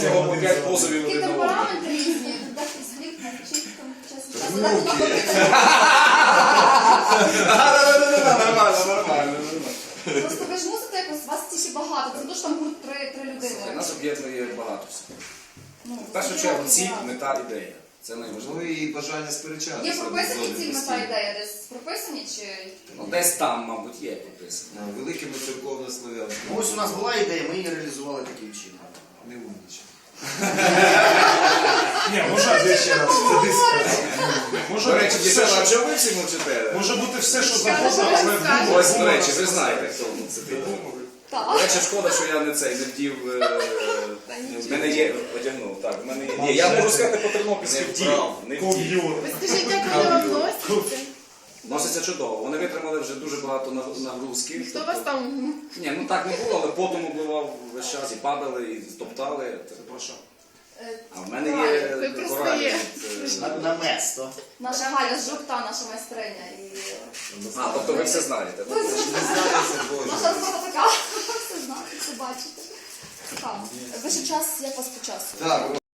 кожного по 5 позовів Такі один на темпераменти різні, дехто злік, навчить, там, часом. Нормально. Просто ви ж мусите якось, вас ті ще багато, це дуже там гурт три людини. Нас об'єднує багато всього. Ну, В першу чергу ціль, мета, ідея. Це Ну найважливіше. і бажання сперечатися. Є прописані ціль, мета, ідея десь прописані чи... Ну, десь там, мабуть, є прописано. Великими церковно-славянськими. Ну, ось у нас була ідея, ми її реалізували таким чином. Не умніче. Ні, може ще раз. До речі, дівчата, а чого ви всі мовчите? Може бути все, що завгодно, але Ось, до речі, ви знаєте, хто сидить. Так. До речі, шкода, що я не вдів, в мене є, одягнув, так, в мене є. Ні, я можу сказати по тернопільськи вдів, не вдів. ков'юр. Ви скажіть, як вони вам носяться? Носиться чудово, вони витримали вже дуже багато нагрузки. Хто вас там? Ні, ну так не було, але потом обливав весь час, і падали, і стоптали. Це про що? А в мене є Ви просто коралі. є. На место. Наша Галя з жовта, наша майстриня. А, тобто ви все знаєте. так? Не знається, Боже. Наша робота така. Все знаєте, все бачите. Цікаво. Ви ще час, як вас по часу? Так,